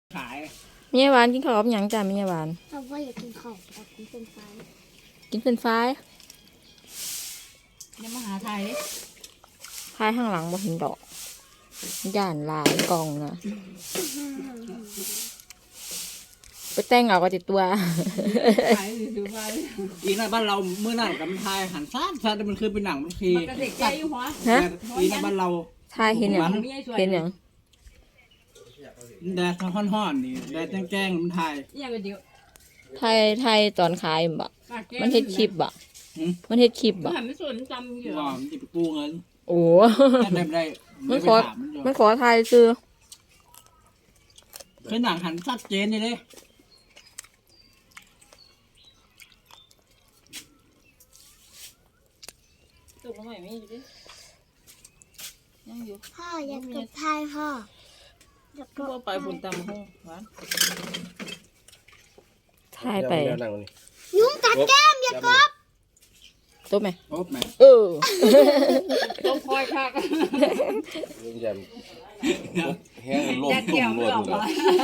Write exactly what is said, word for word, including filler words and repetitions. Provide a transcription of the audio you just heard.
ขายเมียหวานกินข้าวกับหยังจ้าเมียหวานเราว่าอยากกินข้าวอยากกินเป็นไฟกินเป็นไฟรายยังมาหาไทยดิพายข้างหลังบ่เห็นดอกย่านหลายกล่องนะไปแต่งเอาก็ติดตัวขายถือไปอีน่ะบ้านเราเมื่อนั้นกับมันไทยหันซ่านซ่านมันคือเป็นหนังมันทีมันกระเด็กใจอยู่หัวฮะอีน่ะบ้านเราทายเห็นหยังเห็นหยังแดดฮ้อนๆนี่แดดแจ้งๆมันไทยยังก็เดียวทายทายตอนขายบ่มันเฮ็ดคลิปบ่มันเฮ็ดคลิปบ่หันไม่สนจำอยู่ว่ามันจะไปกู้เงินโอ้ได้ได้มันขอมันขอทายซื้อคือหนังหันชัดเจนเลยเลยตุกมาใหม่ไม่อยู่ดิยังอยู่พ่ออยากกินไทยพ่ออยากก็ไปบนตำห้องหวานทายไปยุงกัดแก้มอย่ากบตัวไหมโอ๊บแม่เออต้องคอยคักยันแห้งลมแยกตุ่เกี่ยวมรไม่วดออกเลยมา